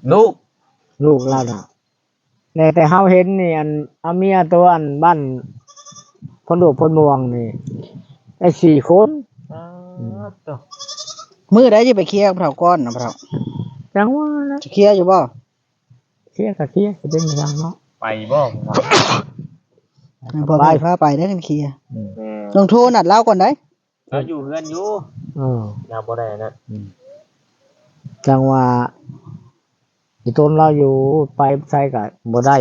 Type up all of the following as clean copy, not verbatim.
ลูกเราน่ะแต่เฮาเห็นนี่อันเอาเมียตัวอันบ้านพนดุพนม่วงนี่ได้4 คนตัวมื้อใดสิไปเคลียร์กับเฒ่าก้อนน่ะเฒ่าจังว่านะจะเคลียร์อยู่บ่เคลียร์ก็เคลียร์สิเป็นจังเนาะไปบ่พ่อไปพาไปได้กันเคลียร์แม่ลงโทรนัดเราก่อนได้เราอยู่เฮือนอยู่เราบ่ได้นะจังว่าอีต้นเราอยู่ไปใส่ก็บ่ได้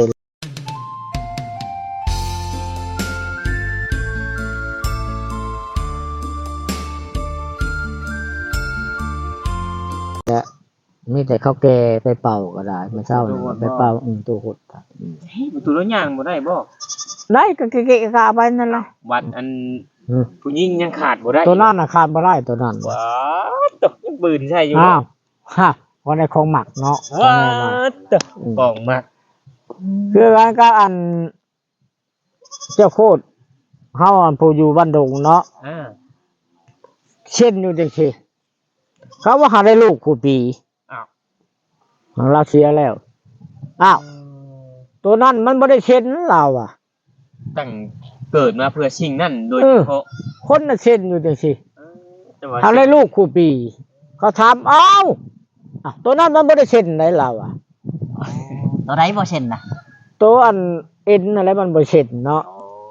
มีแต่ข้าวแก่ไปเป่าก็ได้มาเช้านี่ไปเป่าตัวหดประตูรถย่างบ่ได้บ่ได้ก็เกะๆกะไปนั่นล่ะวัดอันผู้หญิงยังขาดบ่ได้ตัวนั้นน่ะขาดบ่ได้ตัวนั้นว้าตกยังปืนใช่อยู่อ้าวฮะวันในของหมักเนาะว้าตกกองมากคือการก็อันเจ้าโคตรเฮาอันผู้อยู่บ้านดงเนาะเช่นอยู่จังซี่เขาว่าหาได้ลูกคู่ปีเราเสียแล้วอ้าวตัวนั้นมันบ่ได้เช่นเราอ่ะตั้งเกิดมาเพื่อสิ่งนั้นโดยเฉพาะคนน่ะเช่นอยู่จังซี่หาได้ลูกคู่ปีเขาถามอ้าวตัวนั้นมันบ่ได้เช่นไหนเราอ่ะตัวไหนบ่เช่นน่ะตัวอันเอ็นอะไรมันบ่เช่นเนาะ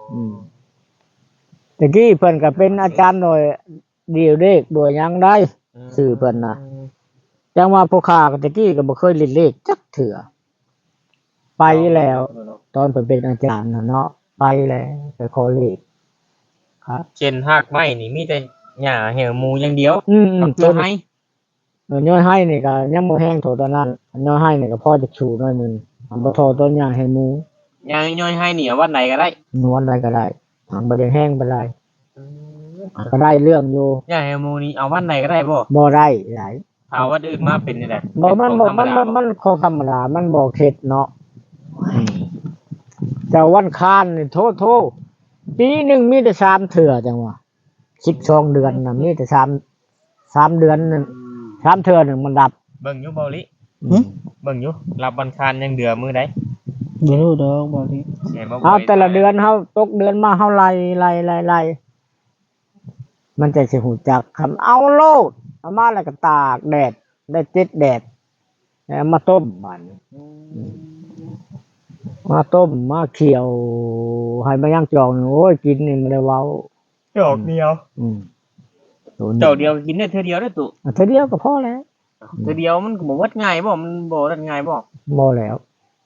ตะกี้เพิ่นก็เป็นอาจารย์หน่อยเดียวเลขบ่ยังได้ชื่อเพิ่นน่ะจังว่าผู้ค้าตะกี้ก็บ่เคยเล่นเลขจักเทื่อไปแล้วตอนเพิ่นเป็นอาจารย์น่ะเนาะไปแล้วไปขอเลขครับเช่นหากไม้นี่มีแต่หญ้าแหวหมูอย่างเดียวต้นไม้ย่อยให้นี่ก็ยังบ่แห้งโถตอนนั้นย่อยให้นี่ก็พอจะชูหน่อยนึงบ่ทอต้นหญ้าให้หมูหญ้าย่อยให้นี่วันไหนก็ได้นวลใดก็ได้บ่ได้แห้งบ่ได้ก็ได้เรื่องอยู่หญ้าแหวหมูนี่เอาวันไหนก็ได้บ่ได้หลายเอาวันอื่นมาเป็นนี่แหละบ่มันของธรรมดามันบ่เท็จเนาะแต่วันคานนี่โทปีนึงมีแต่3เทื่อจังว่า12เดือนน่ะมีแต่3เดือนนึง3เทื่อนึงมันดับเบิ่งอยู่บ่ลิเบิ่งอยู่รับวันคานยังเดือมื้อใดบ่รู้ดอกบ่ลิแต่ละเดือนเฮาตกเดือนมาเฮาไล่มันจะสิฮู้จักคำเอาโลดเอามาแล้วก็ตากแดดได้7แดดแล้วมาต้มมันมาต้มมาเคี่ยวให้มันย่างจองโอ้ยกินนี่มันได้เว้าจอกเดียวจอกเดียวกินได้เทื่อเดียวได้ตุเทื่อเดียวก็พอแล้วเทื่อเดียวมันก็บ่วัดง่ายบ่มันบ่วัดง่ายบ่แล้ว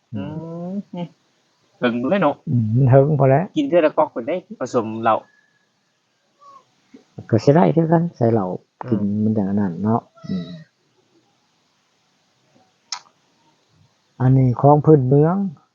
ถึงเลยเนาะมันถึงพอแล้วกินเทื่อละก๊อกเพิ่นได้ผสมเหล้าก็สิได้คือกันใส่เหล้ากินมันอย่างนั้นเนาะอันนี้ของพื้นเมือง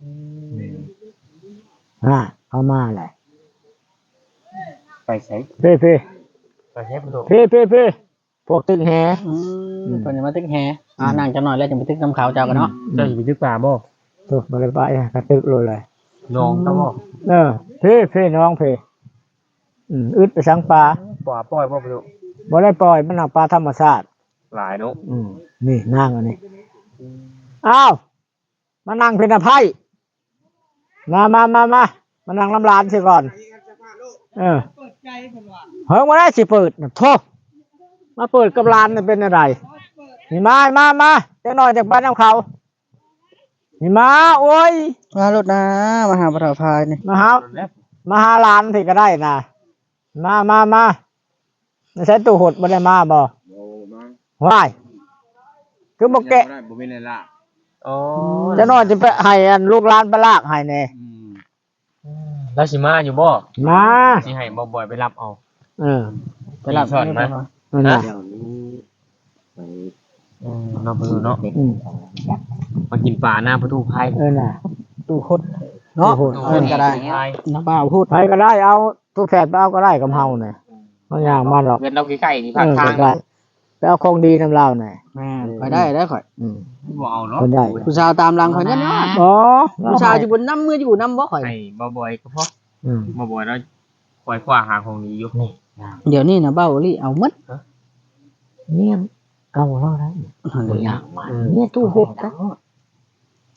เอามาแหละไปใช้เพ่ไปใช้ประตูเพ่พวกตึกแหเพิ่นจะมาตึกแหนั่งจังหน่อยแล้วจะไปตึกน้ำขาวเจ้ากันเนาะเจ้าสิไปตึกป่าบ่บ่ได้ไปก็ตึกเลยน้องตะบ่เพ่น้องเพ่อึดไปสังปลาปล่อยบ่ประตูบ่ได้ปล่อยมันเอาปลาธรรมชาติหลายเนาะนี่นั่งอันนี้อ้าวมานั่งเป็นอภัยมานั่งน้ำร้านสิก่อนเปิดใจเพิ่นว่าเฮ้ยบ่ได้สิเปิดโธ่มาเปิดกับร้านนี่เป็นอะไรนี่มาจักหน่อยจากบ้านน้ำเขานี่มาโอ้ยมารถนะมาหาปลาพายนี่มาหาร้านสิก็ได้นะมาใช้ตู้หดบ่ได้มาบ่ว้ายคือบ่แกะบ่มีเลยล่ะจะน้อยจะไปให้ลูกหลานไปลากให้แน่แล้วสิมาอยู่บ่มาสิให้บ่บ่อยไปรับเอาไปรับสอนมาเดี๋ยวนี้ไปเนาะเนาะมากินปลาหน้าประตูไผน่ะตู้คดเนาะเพิ่นก็ได้น้ำบ่าวพูดไผก็ได้เอาทุกแฝดเอาก็ได้กับเฮาน่ะบ่ยากมาหรอกเงินเราใกล้ๆนี่ภาคทางไปเอาของดีนำเราหน่อยแม่ไปได้ข่อยบ่เอาเนาะผู้ชายตามหลังข่อยนั่นเนาะผู้ชายอยู่บนน้ำมืออยู่น้ำบ่ข่อยให้บ่อยก็พอบ่บ่อยแล้วคอยคว้าหาของนี้อยู่นี่เดี๋ยวนี้นะเบ้าลี่เอาหมดเนี่ยเก่าแล้วได้บ่ยากมาเนี่ยตู้หดนะ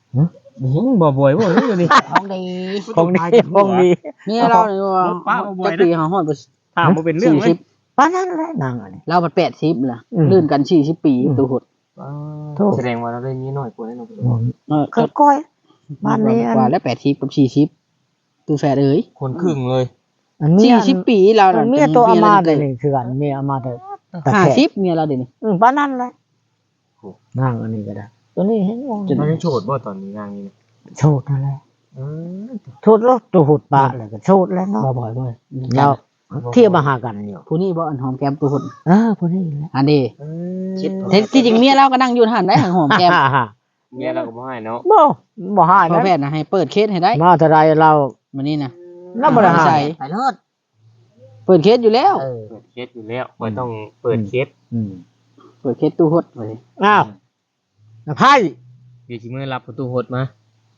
บ่บ่อยบ่อยู่ดิของดีของดีของดีเมียเราเนี่ยว่าจักปีหาฮอดบ่ถามบ่เป็นเรื่องเลยป้านนั้นแหละนางอันนี้เราบัด80ล่ะลื่นกัน40ปีตัวหดแสดงว่าเราได้มีน้อยกว่าแน่นอนก็ก้อยบ้านนี้อันกว่าแล้ว80กับ40ตัวแฝดเอ้ยคนครึ่งเลยอันเมีย 40ปีเราอันเมียตัวอามาได้นี่คือกันเมียอามาได้แต่แค่ 50เมียเราเดี๋ยวนี้ป้านนั้นแหละนางอันนี้ก็ได้ตัวนี้เห็นว่าจะได้โฉดบ่ตอนนี้งานนี้โชดนั่นแหละโชดแล้วตัวหุดปะแล้วก็โชดแล้วเนาะบ่อยๆบ่อยแล้วเที่ยวมาหากันอยู่ผู้นี้บ่อันหอมแก้มตัวหดพวกนี้แหละอันนี้ที่จริงเมียเราก็นั่งอยู่หั่นได้หอมแก้มเมียเราก็บ่ให้เนาะบ่หายพ่อนะแพทย์นะให้เปิดเคสให้ได้มาเท่าไรเรามื้อนี้นะเราบ่ได้หาใส่ยไปรถเปิดเคสอยู่แล้วเปิดเคสอยู่แล้วบ่ต้องเปิดเคสเปิดเคสตู้หดไว้อ้าวนะไพ่เดี๋ยวสิมื้อรับประตูหดมา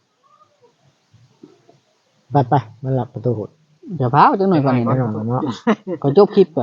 ไปมาหลับประตูหุดเดี๋ยวพาจังหน่อยก่อนนี่ไม่นะนอนเนาะก่อนจบคลิปก่อน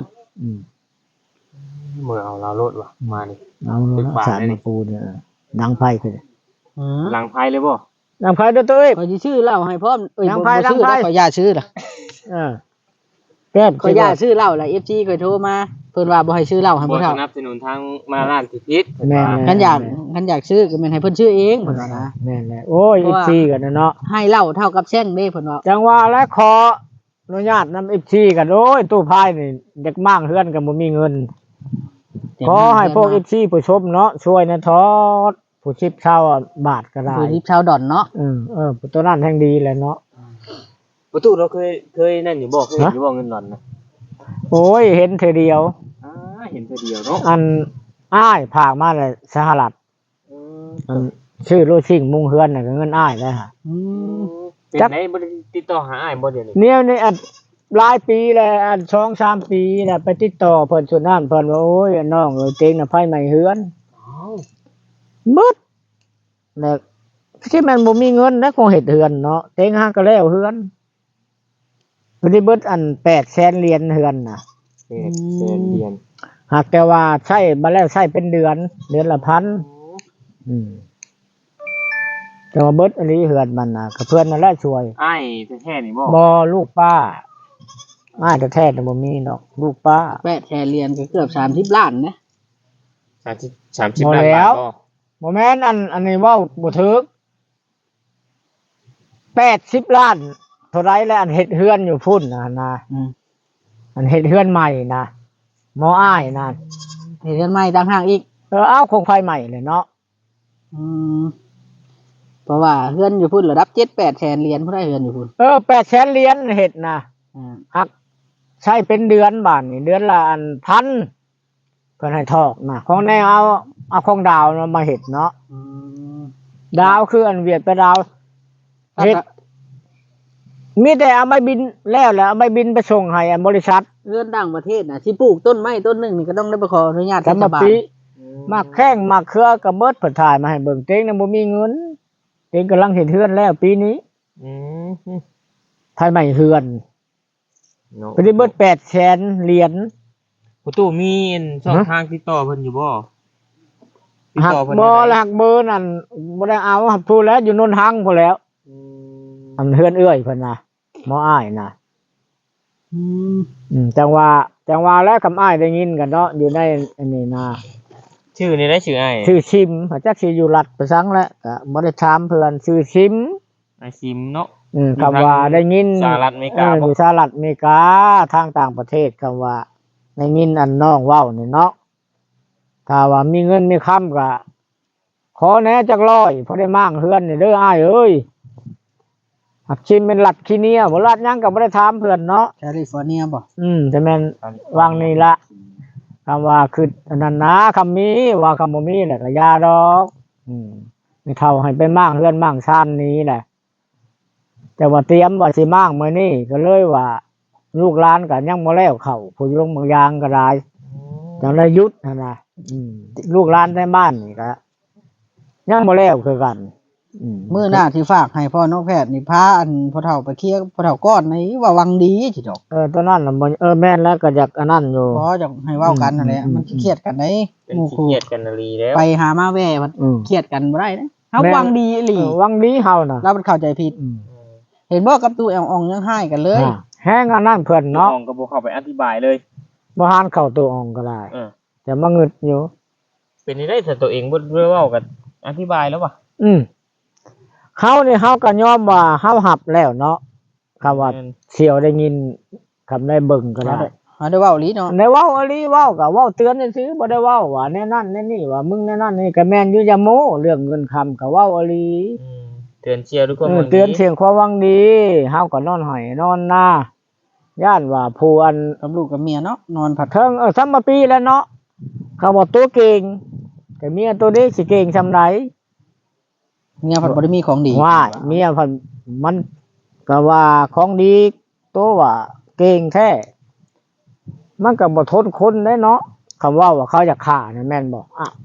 เมื่อเอาเราโลดว่ะมานี่เอาเนาะสารมาปูเนี่ยดังไพ่คือหลังไพ่เลยบ่ดังไพ่ด้วยตัวเองขอสิชื่อเล่าให้พร้อมเอ้ยยังบ่ไพ่ชื่อยังไพ่แล้วขอญาตชื่อล่ะแก้มขอญาตชื่อเล่าล่ะ FG เคยโทรมาเพิ่นว่าบ่ให้ชื่อเล่าให้บ่บ่สเท่านับสนุนทางมาร้านสิพิษแม่คันอยากชื่อก็แม่นให้เพิ่นชื่อเองเพิ่นว่านะแม่นแหละโอ้ย FC กันนะเนาะให้เล่าเท่ากับแช่งเด้เพิ่นว่าจังว่าและขออนุญาตนำ FC กันโอ้ยตู้ไพ่นี่เด็กมั่งเฮือนกันบ่มีเงินขอให้พวก FC ผู้ชมเนาะช่วยนะทอดผู้ชิบเช่าบาทก็ได้ผู้ทิพย์ชาวดอนเนาะตัวนั้นแห่งดีแหละเนาะประตูเราเคยนั่นอยู่บ่เคยเห็นอยู่บ่เงินหล่อนนะโอ้ยเห็นเธอเดียวเห็นแต่เดียวเนาะอันอ้ายผากมาเลยสหรัฐอันชื่อโลชิงมุงเฮือนน่ะก็เงินอ้ายเลยฮะเป็นไหนบ่ได้ติดต่อหาอ้ายบ่เดี๋ยวนี้เนี่ยนี่อันหลายปีแล้วอัน2-3 ปีแล้วไปติดต่อเพิ่นสุดนั้นเพิ่นว่าโอ้ยน้องเอ้ยเต็งน่ะไผใหม่เฮือนมึดแล้วที่มันบ่มีเงินแล้วคงเฮ็ดเฮือนเนาะเต็งหาก็แล้วเฮือนบ่ได้เบิดอัน800,000เหรียญเฮือนน่ะเรียนหากแต่ว่าใช้มาแล้วใช้เป็นเดือนละ1,000แต่ว่าเบิดอันนี้เฮือนมันน่ะก็เพื่อนนั่นแหละช่วยอ้ายแท้ๆนี่บ่บ่ลูกป้าอ้ายแท้ๆน่ะบ่มีดอกลูกป้าแปดแชร์เรียนก็เกือบ30ล้านนะ 30ล้านบาทบ่บ่แม่นอันนี้เว้าบ่ถูก80 ล้านเท่าไรแล้วอันเฮ็ดเฮือนอยู่พุ่นน่ะนะอันเฮ็ดเฮือนใหม่นะหมออ้ายนะเรียนใหม่ต่างหากอีกเอาคงไฟใหม่เลยเนาะเพราะว่าเฮือนอยู่พุ่นระดับ7-8 แสนเหรียญผู้ได้เฮือนอยู่พุ่น 800,000เหรียญเฮ็ดนะหักใช้เป็นเดือนบาทนี่เดือนละอันพันเพิ่นให้ทอกนะของแนวเอาของดาวมาเฮ็ดเนาะดาวคืออันเวียดไปดาวเฮ็ดมีแต่เอาไม้บินแล้วเอาไม้บินไปส่งให้บริษัทเฮือนต่างประเทศน่ะสิปลูกต้นไม้ต้นหนึงนี่ก็ต้องได้ไปขออนุญาตแต่เทศมาบาลปีมาแข้งมาเครือกับเบิดเพิ่นถ่ายมาให้เบิ่งเต็งน่ะบ่มีเงินเต็งกำลังเฮ็ดเฮือนแล้วปีนี้ภายใหม่เฮือนเพิ่นได้เบิด800,000เหรียญประตูมีช่องทางติดต่อเพิ่นอยู่บ่ติดหักต่อเพิ่นบ่หักเบอร์นั่นบ่ได้เอาหักพูดแล้วอยู่นนทังพู้นแล้วอันเฮือนเอื้อยเพิ่นน่ะหมออ้ายน่ะจังว่าแล้วคำอ้ายได้ยินกันเนาะอยู่ในอันนี้นะชื่อนี่ได้ชื่ออ้ายชื่อชิมเขาจักสิอยู่รัฐประสังแล้วก็บ่ได้ถามเพิ่นชื่อชิมอ้ายซิมเนาะคำว่าได้ยินสหรัฐอเมริกาอยู่สหรัฐอเมริกาทางต่างประเทศคำว่าได้ยินอันน้องเว้านี่เนาะถ้าว่ามีเงินมีคำก็ขอแหน่จักร้อยพอได้มั่งเฮือนนี่เด้ออ้ายเอ้ยหักชิมเป็นรัฐคีเนียบ่รัฐหยังก็บ่ได้ถามเพิ่นเนาะแคลิฟอร์เนียบ่แต่แม่นวางนี่ละคำว่าคืออันนั้นนะคำมีว่าคำบ่มีแหละก็ยาดอกไม่เท่าให้ไปมั่งเฮือนมั่งชานนี้แหละแต่ว่าเตรียมว่าสิมั่งมื้อนี้ก็เลยว่าลูกหลานก็ยังบ่แล้วเข้าผู้ลงบางอย่างก็ได้จังได้หยุดนั่นน่ะลูกหลานในบ้านนี่ก็ยังบ่แล้วคือกันมื้อหน้าที่ฝากให้พ่อน้องแพทย์นี่พาอันพ่อเฒ่าไปเคลียร์พ่อเฒ่าก้อนนี่ว่าวังดีจิดอกตอนนั้นน่ะบ่แม่นแล้วก็อยากอันนั้นอยู่พอจะให้เว้ากันนั่นแหละมันสิเครียดกันได้เป็นหมู่ขี้คู่เกียจกันนาลีแล้วไปหามาแว่มันเครียดกันบ่ได้นะเฮเฮาหวังดีอีหลีหวังดีเฮาน่ะเรามันเข้าใจผิด เห็นบ่กับตู้แอลอองยังให้กันเลยแห้งอันนั้นเพิ่นเนาะเนาะก็บ่เข้าไปอธิบายเลยบ่หานเข้าตัวอองก็ได้เออแต่มางึดอยู่เป็นได้แต่ตัวเองบ่เว้ากันอธิบายแล้วว่ะเฮานี่เฮาก็ยอมว่าเฮาหับแล้วเนาะคำว่าเสี่ยวได้ยินคำได้เบิ่งก็ได้เฮาได้เว้าอีหลีเนาะได้เว้าอหลีเว้าก็เว้าเตือนซื่อๆบ่ได้เว้าว่าแน่นั่นแน่นี่ว่ามึงแน่นั่นนี่ก็แม่นอยู่อย่าโม้เรื่องเงินคำก็เว้าอหลีเตือนเชียร์ทุกคนเตือนเสียงความหวังดีเฮาก็นอนหอยนอนหน้าย่านว่าผู้อันกับลูกกับเมียเนาะนอนผัดเทิงซัมมาปีแล้วเนาะเขาบอกตัวเก่งแต่เมียตัวนี้สิเก่งซำใดเมียผัดบ่ได้มีของดีว่าเมียเพิ่นมันก็ว่าของดีตัวว่าเก่งแท้มันก็บ่ทนคนได้เนาะคำว่าเขาจะฆ่านี่แม่นบ่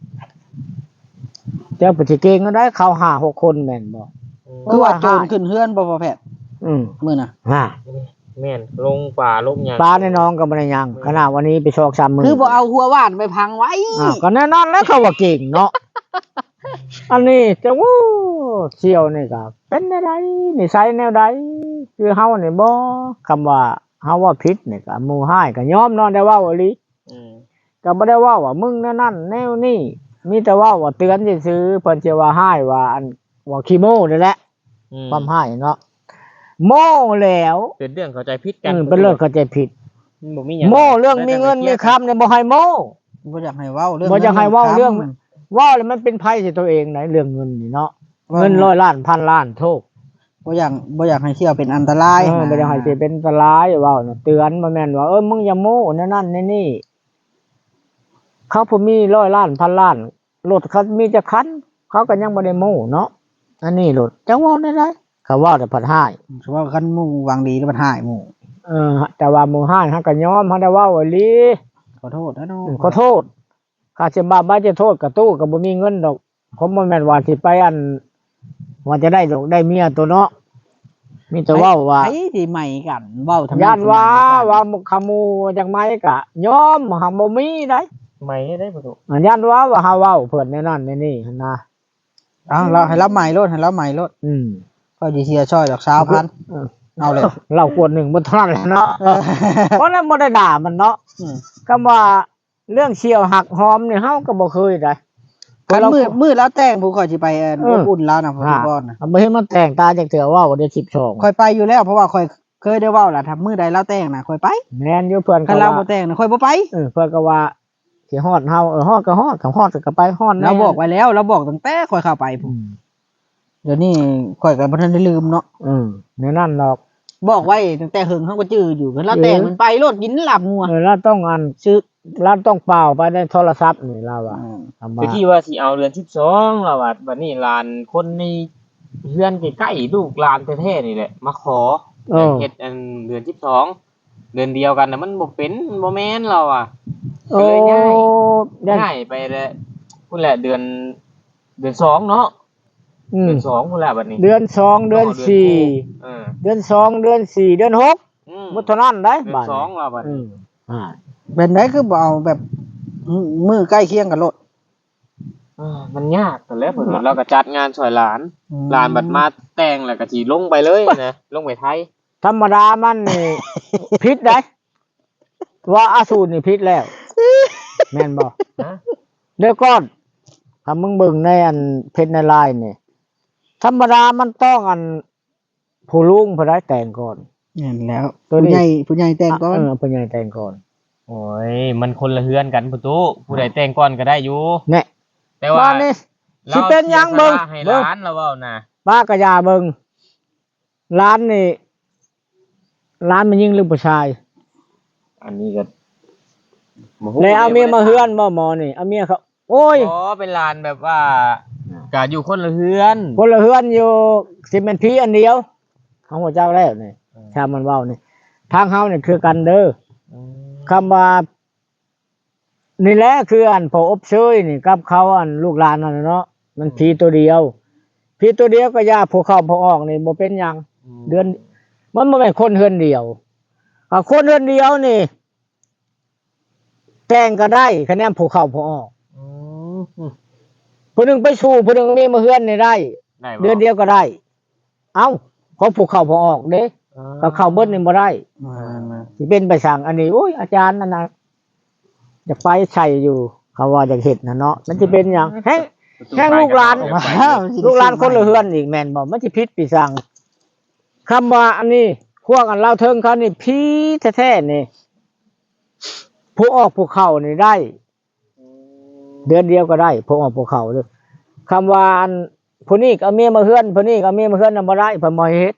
เจ้าปฏิเก่งก็ได้เขา5-6คนแม่นบ่คือว่าโจรขึ้นเฮือนบ่พอแพทย์ มื้อน่ะแม่นลงป่าลงหยังปลาในน้องก็บ่ได้ยังขนาดวันนี้ไปชอก3มื้อคือบ่เอาหัวว่านไปพังไว้ก็แน่นอนแล้วเขาว่าเก่งเนาะ อันนี้จะวู้เชี่ยวนี่ก็เป็นแนวใดนิสัยแนวใดคือเฮานี่บ่คำว่าเฮาว่าผิดนี่ก็หมู่ห้ายก็ยอมเนาะได้เว้าอีหลีก็บ่ได้เว้าว่ามึงแนวนั้นแนวนี้มีแต่เว้าว่าเตือนซื่อๆเพิ่นสิว่าห้ายว่าอันว่าขี้โม้นี่แหละความห้ายเนาะโม้แล้วเป็นเรื่องเข้าใจผิดกันเป็นเรื่องเข้าใจผิดบ่มีหยังโม้เรื่องมีเงินมีคำเนี่ยบ่ให้โม้บ่อยากให้เว้าเรื่องบ่อยากให้เว้าเรื่องว่าแล้วมันเป็นภัยสิตัวเองไหนเรื่องเงินนี่เนาะเงิน100 ล้านพันล้านโทษบ่อยากให้เที่ยวเป็นอันตรายบ่อยากให้สิเป็นอันตรายเว้าน่ะเตือนบ่แม่นว่ามึงอย่าโม้นั่นนี่เขาผู้มี100 ล้านพันล้านรถเขามีจักคันเขาก็ยังบ่ได้โม้เนาะอันนี้รถจังว่าได้เขาว่าแต่พัดห้ายสมมุติว่าคันหมู่หวังดีแล้วมันหายหมู่แต่ว่าหมู่ห้ายเฮาก็ยอมเฮาได้เว้าอีหลีขอโทษนะน้องขอโทษข้าสิบาปบ่จะโทษกับตู้ก็บ่มีเงินดอกผมบ่แม่นว่าสิไปอันว่าจะได้ดอกได้เมียตัวเนาะมีแต่เว้าว่าไผสิใหม่กันเว้าทำไมย่านว่าขโมยจังไม้ก็ยอมหาบ่มีได้ไม่ได้บ่ถูกย่านว่าเฮาเว้าเพิ่นแน่นั่นแน่นี่หั่นนะเราให้รับใหม่รถให้รับใหม่รถก็สิเสียช่อยดอก20,000เอาเลยเราควรหนึ่งบ่เท่านั้นแหละเนาะเพราะนั้นบ่ได้ด่ามันเนาะคำว่าเรื่องเชี่ยวหักหอมนี่เฮาก็บ่เคยได้คันมือแล้วแต่งผู้ข่อยสิไปอุ่นแล้วนะพ่อก่อนนะบ่เห็นมันแต่งตาจักเทื่อว่าบ่ได้12 ข่อยไปอยู่แล้วเพราะว่าข่อยเคยได้เว้าล่ะถ้ามื้อใดแล้วแต่งน่ะข่อยไปแม่นอยู่เพิ่นคันเราบ่แต่งน่ะข่อยบ่ไปเพิ่นก็ว่าสิฮอดเฮาฮอดก็ฮอดก็ฮอดก็ไปฮอดเราบอกไว้แล้วเราบอกตั้งแต่ข่อยเข้าไปพุ่นเดี๋ยวนี้ข่อยก็บ่ทันได้ลืมเนาะในนั่นดอกบอกไว้ตั้งแต่หึงเฮาก็จื้ออยู่คันเราแต่งมันไปรถกินหลับงัวเราต้องอันซื้อเราต้องเป่าไปในโทรศัพท์นี่เราอ่ะคือที่ว่าสิเอาเดือน12แล้วว่าบัดนี้หลานคนในเฮือนใกล้ๆลูกหลานแท้ๆนี่แหละมาขอเฮ็ดอันเดือน12เดือนเดียวกันน่ะมันบ่เป็นบ่แม่นเราอ่ะก็เลยง่ายไปเลยพุ่นแหละเดือน2เนาะเดือน2พุ่นแหละบัดนี้เดือน2เดือน4เดือน2เดือน4เดือน6บ่เท่านั้นได้บาด 2แล้วบัดนี้เป็นไดคือบ่เอาแบบมือใกล้เคียงกับรถมันยากแต่แล้วเพิ่นเราก็จัดงานช่วยหลานบัดมาแต่งแล้วก็สิลงไปเลยนะลงไปไทยธรรมดามันนี่ผิดได้ว่าอาสูรนี่ผิดแล้วแม่นบ่เดี๋ยวก่อนถ้ามึงเบิ่งในอันเพจในไลน์นี่ธรรมดามันต้องอันผู้ลุงผู้ใดแต่งก่อนเห็นแล้วผู้ใหญ่แต่งก่อนผู้ใหญ่แต่งก่อนโอ้ยมันคนละเฮือนกันพุตุผู้ใดแต่งก่อนก็ได้อยู่แน่แต่ว่าบ้านนี่สิเป็นหยังเบิ่งให้ร้านเราเว้านะป้ากะยาเบิ่งร้านนี่ร้านมันยิงหรือผู้ชายอันนี้ก็แล้วเอาเมียมาเฮือนบ่หมอนี่เอาเมียเขาโอ้ยอ๋อเป็นร้านแบบว่าก็อยู่คนละเฮือนคนละเฮือนอยู่สิเป็นพี่อันเดียวของพระเจ้าแล้วนี่ชามันเว้านี่ทางเฮานี่คือกันเด้อคำว่านี่แหละคืออันพออบเชยนี่กับเขาอันลูกหลานนั่นเนาะมันผีตัวเดียวผีตัวเดียวก็ยาผู้เข้าผู้ออกนี่บ่เป็นหยังเดือนมันบ่แม่นคนเฮือนเดียวคนเฮือนเดียวนี่แต่งก็ได้คะแนนผู้เข้าผู้ออกผู้หนึงไปสู่ผู้หนึงมีมาเฮือนนี่ได้ได้บ่เดือนเดียวก็ได้ เอ้าเขาผูกเข้าพอออกเด้ก็เข้าเบิดนี่บ่ได้มาสิเป็นไปสั่งอันนี้โอ้ยอาจารย์นั่นน่ะอยากไปใช่อยู่ เขาว่าอยากเฮ็ดน่ะเนาะมันสิเป็นหยังแฮงลูกหลาน ลูกหลานคนละเฮือนอีกแม่นบ่มันสิผิดปีสั่งคำว่าอันนี้พวกอันเล่าเทิงเขานี่ผีแท้ๆนี่ผู้ออกผู้เข้านี่ได้ เดือนเดียวก็ได้ผู้ออกผู้เข้าเลยคำว่าอันผู้นี้ก็เอาเมียมาเฮือนผู้นี้ก็เอาเมียมาเฮือนน่ะบ่ได้เพิ่นบ่ให้เฮ็ด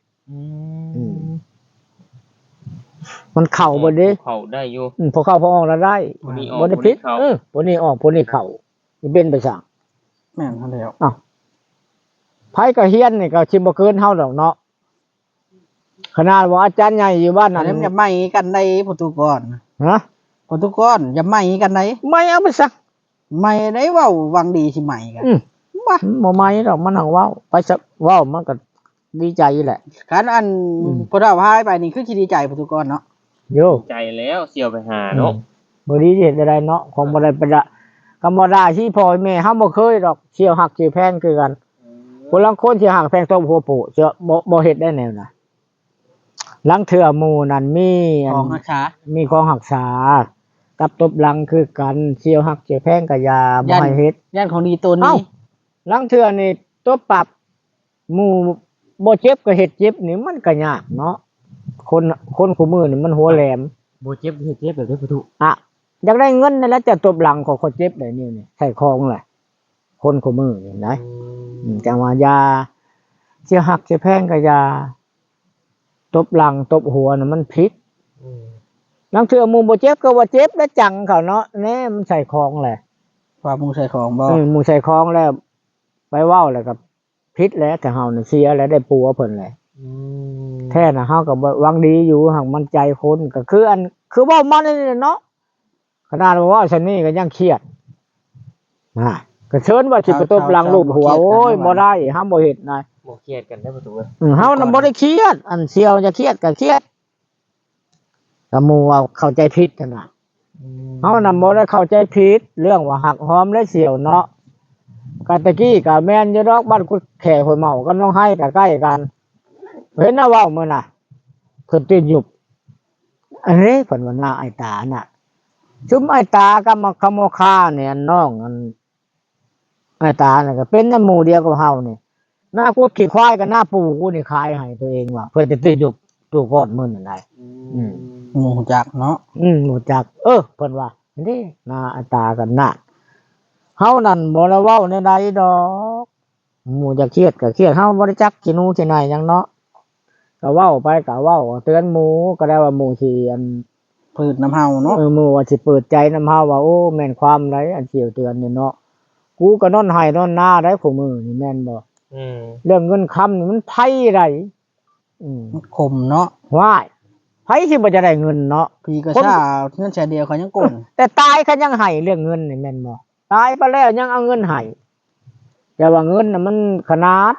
มันเข้าบ่เด้เข้าได้อยู่ผู้เข้าผู้ออกแล้วได้ผู้นี้ออกบ่ได้ผิดผู้นี้เข้าผู้นี้ออกผู้นี้เข้าสิเป็นไปสั่งแม่นเขาแล้วไผก็เฮียนนี่ก็สิบ่เกินเฮาดอกเนาะขนาดว่าอาจารย์ใหญ่อยู่บ้านอันั้น นนั้นอย่าไม่กันในโปรตุเกสฮะโปรตุเกสอย่าไม่กันในไม่เอาไปซักไม่ได้เว้าวังดีสิใหม่กัน ว่าบ่ไม่ดอกมันหังเว้าไปซักเว้ามันก็ดีใจแหละการอันพอเฒ่าพายไปนี่คือสิดีใจโปรตุเกสเนาะโยใจแล้วเสี่ยวไปหาเนาะบ่ดีเฮ็ดได้เนาะของบ่ได้ประดะก็บ่ได้ที่พ่อแม่เฮาบ่เคยดอกเชี่ยวหักเชี่ยวแพงคือกันคนลางคนสิหักแพงตบหัวโปะเชื่อบ่เฮ็ดได้แนวน่ะลังเทื่อหมู่นั่นมีอันของราคามีของหักษากับตบหลังคือกันเชี่ยวหักเชี่ยวแพงก็อย่าบ่ให้เฮ็ดย่านของดีตัวเอ้านี้ลังเทื่อนี่ตัวปรับหมู่บ่เจ็บก็เฮ็ดเจ็บนี่มันก็ยากเนาะคนคู่มือนี่มันหัวแหลมบ่เจ็บเจ็บแบบนี้ประตูอ่ะอยากได้เงินนั่นแหล้วจะตบหลังของคนเจ็บได้นี่ใส่คองแหละคนคู่มือนี่นะจังว่ายาเสียหักเสียแพงก็ยาตบหลังตบหัวน่ะมันผิดลังเทื่อหมู่บ่เจ็บก็ว่าเจ็บแล้วจังเขาเนาะแน่มันใส่คองแหละว่ามุงใส่ของบ่หมู่ใส่คองแล้ว ไปเว้าแล้วก็ผิดแล้วแต่เฮาน่ะเสียแล้วได้ปัวเพิ่นแหละแท้น่ะเฮาก็บ่หวังดีอยู่หักมันใจคนก็คืออันคือเว้ามันนี่เนาะขนาดว่าฉันนี่ก็ยังเครียดก็เชิญว่าสิไปตบหลังลูบหัวโอ้ยบ่ได้ห้ามบ่เฮ็ดนายบ่เครียดกันได้ประตูเฮาน่ะบ่ได้เครียดอันเสียวจะเครียดก็เครียดก็หมู่ว่าเข้าใจผิดนั่นน่ะเฮาน่ะบ่ได้เข้าใจผิดเรื่องว่าหักหอมและเสียวเนาะก็ตะกี้ก็แม่นอยู่ดอกบ้านกุดแขห้วยเมากับน้องไห้ก็ใกล้กันเห็นนะเว้ามื้อน่ะเพิ่นติดยุบอันนี้เพิ่นว่าหน้าไอ้ตาน่ะชุมไอ้ตากับมาขโมคาเนี่ยน้องอันไอ้ตาน่ะก็เป็นน้ำหมู่เดียวกับเฮานี่หน้ากูขี้ควายกับหน้าปูกูนี่ขายให้ตัวเองว่าเพิ่นจะติดยุบตัวก้อนมื้อนั่นได้หมูจักเนาะหมู่จักเพิ่นว่านี่หน้าไอ้ตากันน่ะเฮานั่นบ่ได้เว้าในใดดอกหมู่จะเครียดก็เครียดเฮาบ่ได้จักขี้หนูขี้ไหนหยังเนาะก็เว้าไปก็เว้าเตือนหมู่ก็ได้ว่าหมู่สิอันพืชน้ำเฮาเนาะหมู่ว่าสิเปิดใจนำเฮาว่าโอ้แม่นความไรอันเสียวเตือนนี่เนาะกูก็นอนให้นอนหน้าได้ผู้มือนี่แม่นบ่เรื่องเงินคำนี่มันไผได้มันคมเนาะว้ายไผสิบ่จะได้เงินเนาะพี่ก็ซ่าเงินแสนเดียวเขายังกลนแต่ตายเขายังให้เรื่องเงินนี่แม่นบ่ตายไปแล้วยังเอาเงินให้แต่ว่าเงินน่ะมันขนาด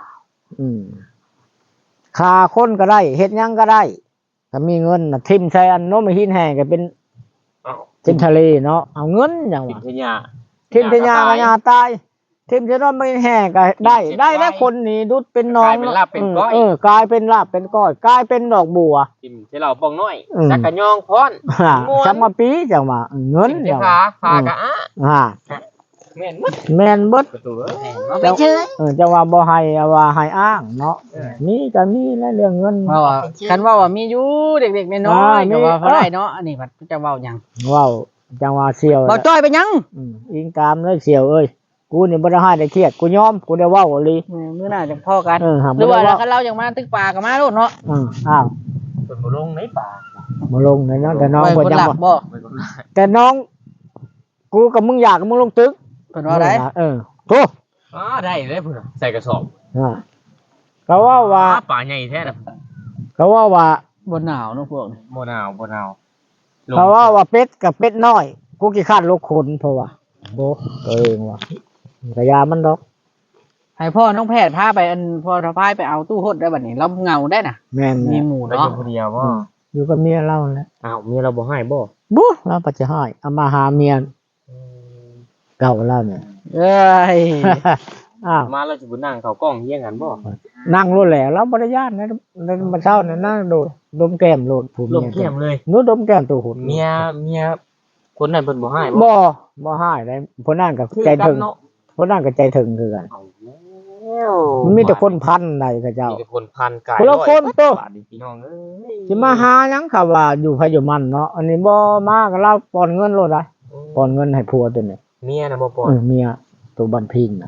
ค่าคนก็ได้เฮ็ดหยังก็ได้ถ้ามีเงินน่ะทิ่มใส่อันโน้มหินแห้งก็เป็นทะเลเนาะเอาเงินหยังทิวะมทยาทิมทยากยาตายทิมจะนอนไม่แห่ก็ได้แล้วคนนี้ดุดเป็นน้องกลายเป็นลาบเป็นก้อยกลายเป็นดอกบัวทิมที่เราปองน้อยจักกะยองพรสมาปีจังว่าเงินทิมที่ขากะอ่ะแม่นมดแม่นเบิดประตูไม่เชื่อจะว่าบ่ให้ว่าให้อ้างเนาะมีก็มีแล้วเรื่องเงินว่าคันว่ามีอยู่เด็กๆน้อยๆก็ว่าบ่ได้เนาะอันนี้มันจะเว้าหยังว้าวจังว่าเสียวบ่จ้อยไปหยังอิงตามเลยเสียวเอ้ยกูนี่บ่ได้ให้ได้เครียดกูยอมกูได้เว้าอีหลีมื้อหน้าจะพ่อกันหาหรือว่าคันเราอย่างมาตึกป่าก็มาโลดเนาะอ้าวเพิ่นบ่ลงในป่ามาลงในนั้นแต่น้องไว้เพิ่นคนยังหลักบ่บ่แต่น้องกูกับมึงอยากกับมึงลงตึกเพิ่นว่าได้โธ่ได้เลยเพิ่นใส่กระสอบเขาว่าป่าใหญ่แท้น่ะเขาว่าบ่หนาวเนาะพวกนี้บ่หนาวเขาว่าเป็ดกับเป็ดน้อยกูกี่ขั้านลูกคนเพราะว่าโบตัวเองว่ะกระยามันดอกให้พ่อน้องแพทย์พาไปอันพ่อทพายไปเอาตู้หดได้บัดนี้เราเหงาได้น่ะแม่นมีหมู่แล้วเนาะอยู่คนเดียวบ่อยู่กับเมียเราแหล้วอ้าวเมียเราบ่ให้บ่บุ๊เราปัจจัยให้เอามาหาเมียเก่าเราเนี่ยเอ้ยอ้าวมาแล้วสิบ่นั่งเข้ากล้องเฮียงกันบ่นั่งรถแหละเราบ่ได้ย่านนะมันเช้าน่ะนั่งโดดดมแก้มโลดผู้ลเมีมยเข้มเลยหนูดมแก้มตัวหุ่นเมียคนนั้นเพิ่นบ่ให้บ่ให้ได้เพนนั่นกับใจถึงเนาะเพนนั่นกับใจถึงคือกันเอาแล้วมันมีแต่คนพันใดกับเจ้ามีแต่คนพันกายคนละคนตัวบาทนี่พี่น้องเอ้ยสิมาหาหยังค่ะว่าอยู่ไผอยู่มันเนาะอันนี้บ่มาก็เราปอนเงินโลดได้ปอนเงินให้ผัวตัวนี้เมียน่ะบ่ปล่อยเมียตัวบันพิงน่ะ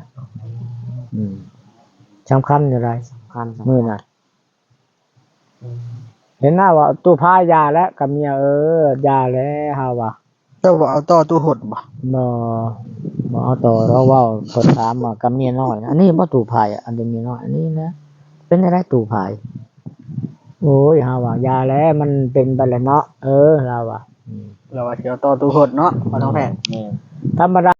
สำคัญอยู่ไรพันมื้อน่ะเห็นหน้าว่าตู้พายาแล้วกับเมียยาแล้วเฮาว่าเจ้าว่าเอาต่อตู้หดบ่บ่เอาต่อเราเว้าคนถามว่ากับเมียน้อยอันนี้บ่ตู้พายอันนี้เมียน้อยอันนี้นะเป็นได้ตู้พายโอ้ยเฮาว่ายาแล้วมันเป็นไปแล้วเนาะเราว่าเราว่าสิเอาต่อตู้หดเนาะพ่อน้องแพทย์นี่ธรรมดา